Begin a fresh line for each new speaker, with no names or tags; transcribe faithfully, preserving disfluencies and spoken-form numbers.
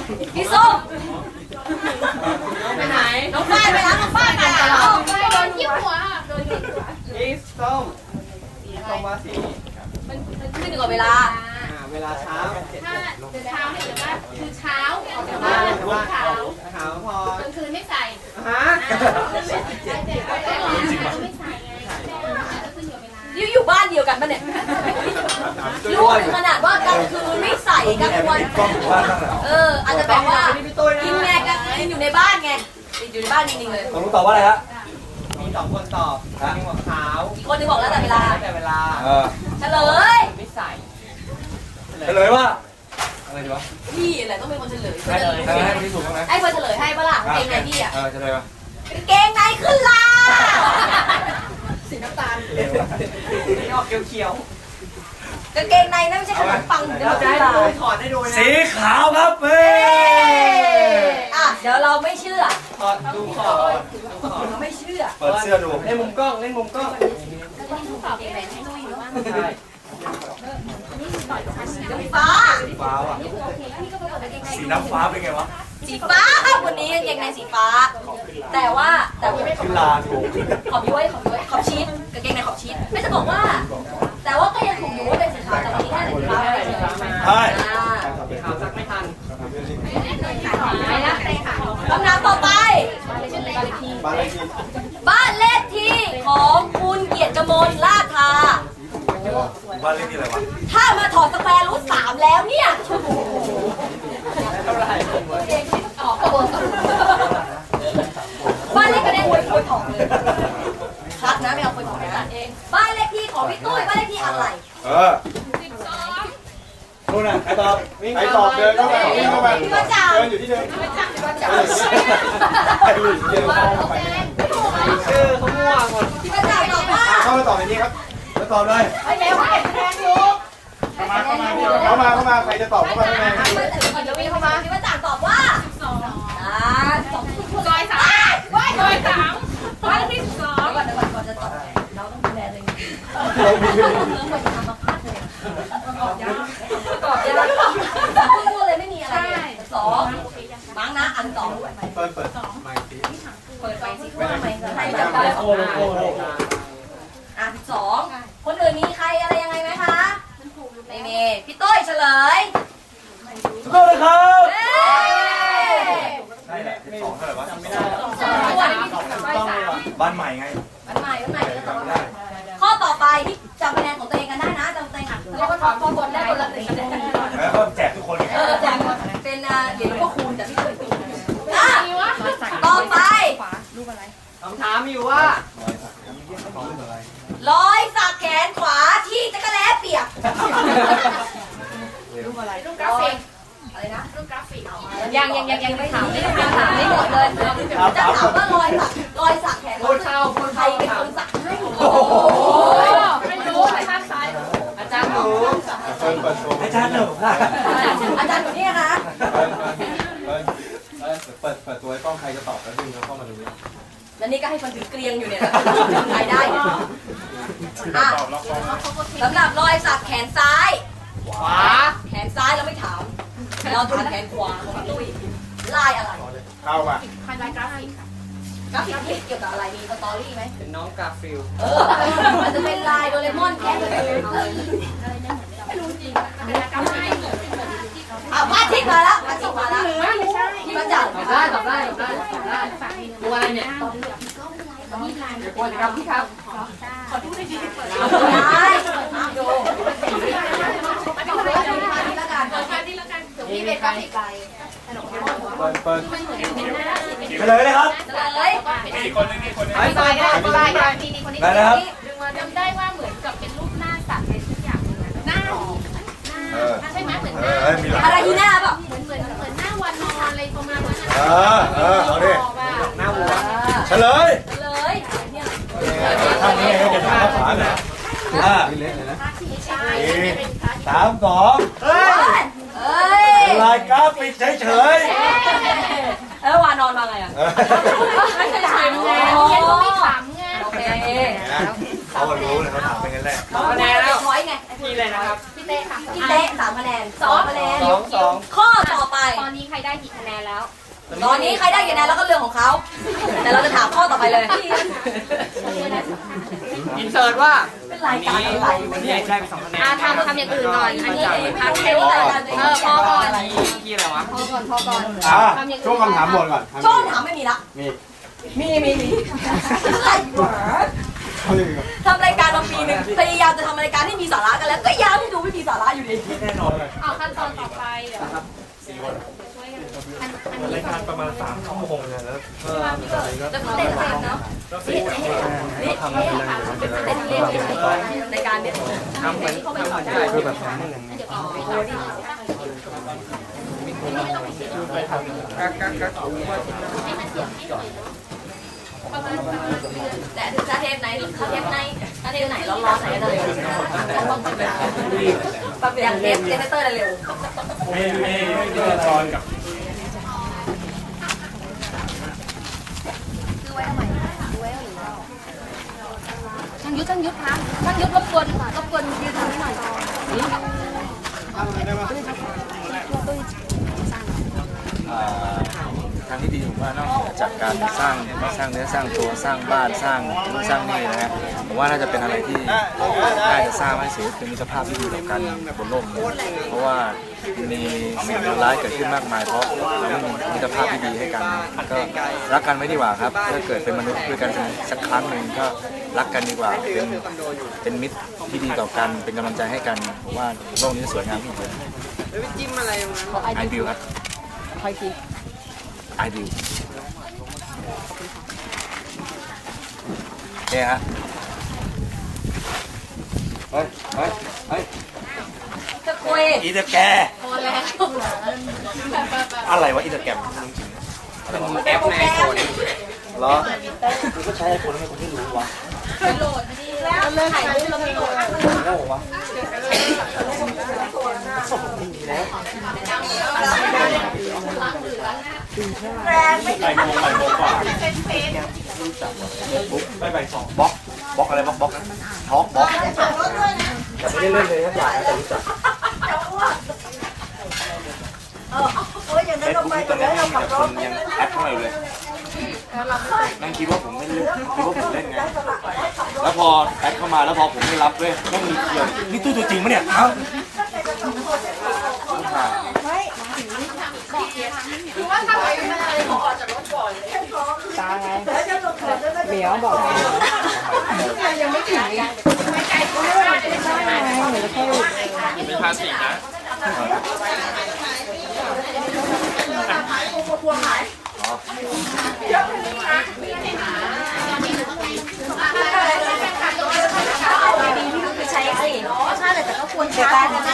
พี่ส้ม
ไปไหน
น้องฝ้ายไปแล้วน้องฝ้ายไปแล้ว
โดนที่หัวโดนที่หัว
อีส้มอีส้มว่าสี
มันมันขึ้นอยู่กับเวลา
อ่าเวลาเช้า
ถ้าเช้าเนี่ยหรือว่าคือเช้าออกจากบ้านเช้า
ขาวพอก
ลางคืนไม่ใส่
ฮะ
ไม่ใส่ไม่ใส่ไงก็ขึ้นอยู่เวลา
อยู่อยู่บ้านเดียวกันปะเนี่ยรู้ถึงขนาดว่ากลางคืนไม่ใส่กลางวันเอออาจจะแบบว่ากินไงกันกินอยู่ในบ้านไงอยู่ในบ้านจริงๆเลย
ต้องรู้ตอบว่าอะไรฮะ
มีสองคนตอบมีหัวขาว
อีกคนนึงบอกแล้วแต่เวลา
แต่เวลา
เออ
เฉลย
ไม่ใส่
เฉลยว่าอะไรดีวะ
พี่แหละต้องเป็นคนเฉลย
ให้ให้ให้คนที่ถูกบ้างไหม
ให้คนเฉลยให้ปะล่ะเกงในพี่อ่ะ
เออเฉลยป่ะ
เกงในขึ้นลา
สีน้ำตาลนี่ออกเขียว
กางเกงในนั่นไม่ใช่ขนมปัง
ๆเราจะให้ดูถอดให้ดูนะ
สีขาวครับเฮ้ย
อ่ะเดี๋ยวเราไม่เชื่อ
ถอดดูขอบดูขอบ
เราไม่เชื่อ
เปิดเสื้อดู
เล่นมุมกล้องเล่นมุมกล้อง
เกงในให้ลุยเนาะ
ใช่
สีฟ้า
สีฟ้าว่ะสีน้ำฟ้าเป็นไงวะ
สีฟ้าครับวันนี้กางเกงในสีฟ้า แต่ว่าแต่ว่าไม่
ขึ้นลาถูก
ขอบย้วยขอบย้วยขอบชีสกางเกงในขอบชีสไม่จะบอกว่า แต่ว่าก็ยังถูกอยู่ว่าเป็นสีขาวแต่วันนี้แค่สีฟ้าไม่ได้เลย
ใช่
อ่า
สีขาวซักไม่ทัน
ไปแล้วไปค่ะ
คำถามต่อไป บ้านเลขที่ของคุณเกียรติกมลลาดทา
บ้านเลขที่อะไรวะ
ถ้ามาถอดสแควร์รูทสามแล้วเนี่ย
เท่าไหร่
ออกกระโดดบ้านเลขที่คุยคุยถอดเลยคัดนะไม่เอาคุยถอดนะบ้านเลขที่ของพี่ตุ้ยบ้านเลขที่อะไร
เออนู่นน่ะใครตอบใครตอบเดินเข้ามาวิ่งเข้ามา
พี่ประจักษ์
เดินอยู่ที่เดิม
พี่ประจักษ์พี่ประจักษ์
ใครอยู่ที่เดิมเข้าไป
ชื่อเขามั่วหมด
พี่ประจักษ์ตอบว่า
เข้ามาตอบในนี้ครับแล้วตอบเลย
ไอ้เดี๋ยวให้คะแนนอยู่
เข้ามาเข้ามาเข้ามาเข้ามาใครจะตอบเข้ามาข้างใน
พี่ประจักษ์เดี๋ยวพี่เข้ามาพี่ประจักษ์ตอบว่าอ่าสอง
ซอยสามซอยสามบ้านที่สอง
เดี๋ยวก่อนเดี๋ยวก่อนก่อนจะตอบเราต้องดูแลตัวเองเรื่องมันจะทำมาพลาดเลยตอบยากตอบยากพูดเลยไม่มีอะไรสองมั้งนะอันสอง
เปิดเปิดไมค์สิ
เปิดไฟสิว่าทำไมใครจะไปอ่ะสองคนอื่นมีใครอะไรยังไงไหมคะไม่มีพี่ต้ยเฉลย
สุดยอดเลยครับ
เย้
ใช่แหละสองเท่าไหร่วะจำไม่ได้
สองส่วน
บ้านใหม่ไง
มันใหม่มันใหม่ก็ตอบได้ข้อต่อไปที่จำคะแนนของตัวเองกันได้นะจำตัวเองอ่ะเรียกว่าถอดข้อบนได้คนละหนึ่งคะแนน
แล้วก็แจกทุกคนไง
เออแจกเป็นอ่าเหรียญพ่อคูณจากพี่ตุ้ยอ่ะต่อไป
คำถามมีอยู่ว่า
รอยสักแขนขวาที่จักรแล้เปียก
รูปกราฟิก
อะไรนะ
รูปกราฟิก
ยังยังยังยังไม่ถามไม่ได้ถามไม่หมดเลยจะถามว่ารอยสักรอยสักแขน
พูดเข้าพูด
ใคร
เข้า
เป็นคนสักให้
โอ้โห
ไม่รู้แต่ข้างซ้าย
อาจารย์หนู
เปิดเปิดโชว์อาจารย์หนูค่ะ
อาจารย์อยู่นี่นะ
เปิดเปิดตัวให้กล้องใครจะตอบแล้วดึงเขาเข้ามาดูนี่
แล้วนี่ก็ให้คนถือเกลียงอยู่เนี่ยใครได้อ่ะสำหรับรอยสักแขนซ้าย
ขวา
แขนซ้ายเราไม่ถาม เราถามแขนขวาของพี่ตุ้ยลายอะไร
เข้ามา
พันลายกราฟิกค่ะ
กราฟิกที่เกี่ยวกับอะไรมีสตอรี่ไหม
เป็นน้องกาฟิล
เออมันจะเป็นลายโดเรมอนแค่เลย
ไม่รู้จริงเป็นลายกราฟิกเหมือนเหมือนที่เขา
อ่ะพระอาทิตย์มาแล้วพระอาทิตย์มาแล้ว
ไม่ใช่
พี่ประจักษ์
ตอบได้ตอบได้ตอบได้ตอบได้
ฝากมี
ตัวอะไรเนี่ย
มีลาย
เดี๋ยวก่อนนะครับพี่ครับ
ขอดูได้ดีเปิด
เอาได้ห้ามดูพระอาทิตย์ละกัน
เปิดแค่นี้แล้วกัน
พี่เป็นกราฟิกลาย
เปิดเปิด
มันเหมือนเป็นหน้า
เฉลยเลยครับ
เฉลย
ไอ้ตายได้
ลายกราฟิกคนนี้
ได้นะครับ
จำได้ว่าเหมือนกับเป็นรูปหน้าสัตว์อะไรสักอย่างหน้าหอมหน้าใช่ไหมเหมือนห
เอ
น้า
อเอ้ยมีหลัก
อะไรที่หน้าเปล่า
เหมือนเหมือนเหมือนหน้าวันนอนอะไรประมาณนั้น
เออเออเอาดิ
หน้าวัว
เฉลย
เฉลยเนี่ย
ทางนี้จะถามภาษาหน่อยอ่า
ใช่
สามสองเฮ้ย
เอ้ย
ลายกราฟิกเฉยเฉย
แล้ววานอนมาไงอ่ะ
เออ
ไม่ใช่ถ่าย
แล้
ไง
วเขียนก็ไม่ขำไง
โอเค
อ่าเขารู้เลยเขาถามไปงั้นแหละ
สองคะแนนแล้ว
ร้อยไง
พี่เลยนะครับ
พี่เต้ค่ะ
พี่เต้สามคะแนนสองคะแนน
สองสอง
ข้อต่อไป
ตอนนี้ใครได้กี่คะแนนแล้ว
ตอนนี้ใครได้กี่คะแนนแล้วก็เรื่องของเขา แต่เราจะถามข้อต่อไปเลย
อินเสิร์ตว่า
เป็นรายการอะไร
วันนี้ได้ไปสองคะแนน
อ่าทำทำอย่างอื่นหน่อย อันนี้
ไม่
พัก
รู้
เท
เลย
ป
ว่ารายการตัวเอง
เออพอก่อน
พี่อะไรวะ
พอก่อนพอก่อน
อ่าช่วงคำถามหมดก่อน
ช่วงถามไม่มีละ
มี
มีมีมีอะไรวะ
เขาเลย
ทำรายการมาปีหนึ่งพยายามจะทำรายการให้มีสาระกันแล้ว ก็ยังดูไม่มีสาระอยู่ดี
แน่นอนเลย
เอาขั้นตอนต่อไปเดี๋ยวช่วยกันอันอันนี้ก่อน
ประมาณสามชั่วโมงเนี่ยแล้ว
จะเต้นเต้นเนาะนี่นี่ทำอะไรเต้นเล่นรายการเนี่ย
ทำเหมือนทำเหมือนใช่คือแบบทำเหมือนกักกักกัก
แต่ถึงถ้าเทปไหนถ้าเทปไหนถ้าเทปไหนร้อนๆไหนก็จะเร็วอย่างเทปเจเนเตอร์จะเร็ว
ไม่ไม่ไม่เจอตอนกับ
ช่างยุทธช่างยุทธคะช่างยุทธรบกวนรบกวนยืนตรงนี้หน่อย
ทางที่ดีผมว่านอกจากการสร้างสร้างเนื้อสร้างตัวสร้างบ้านสร้างนู่นสร้างนี่นะฮะผมว่าน่าจะเป็นอะไรที่น่าจะสร้างให้สิ่งเป็นมิตรภาพที่ดีต่อกันบนโลกนี้เพราะว่ามีสิ่งเลวร้ายเกิดขึ้นมากมายเพราะเราไม่มีมิตรภาพที่ดีให้กันก็รักกันไว้ดีกว่าครับถ้าเกิดเป็นมนุษย์ด้วยกันสักครั้งหนึ่งก็รักกันดีกว่าเป็นเป็นมิตรที่ดีต่อกันเป็นกำลังใจให้กันผมว่าโลกนี้สวยงามที่สุด
แล้วจิ้มอะไรมา
ไอบิวครับไอบิวเนี่ยฮะ
เฮ้ยเฮ้ยเฮ้ย
จะคุย
อีเตอร์แก
พอแล้ว
อะไรวะอีเตอร์แกม
แอปในไอโฟน
เหรอคือก็ใช้ไอโฟนทำไมคุณไม่รู้วะ
ไปโหลดมาดีแล้วถ่ายรูปแล้วไปโหลด
โง่วะ
แรงไม่
ไปโมงไปโมงกว่าไปไปสอง
บล็อกบล็อกอะไรบล็อกบล็อกท็อกบล็อกแต่ไม่ได้เล่นเลยครับอยากแต่รู้จัก
เออโอ้ยอย่างนั้นเราไป
ตอน
แล้
นี้
วเราขับร
ค
ถ
นยังแอดเข้ามาอยู่เลยนั่งคิดว่าผมไม่เล่นคิดว่าผมเล่นไงแล้วพอแอดเข้ามาแล้วพอผมไม่รับด้วยต้องมีเกี่ยวนี่ตู้ตัวจริงปะเนี่ยเอ้า
เหมียวบอกยังไม่ถึงยังไม่ไกลก็ไม่ได้ไงแล้วก็
มีภาษีนะ
ใช้สิใช่แต่ก็ควรใช้แต่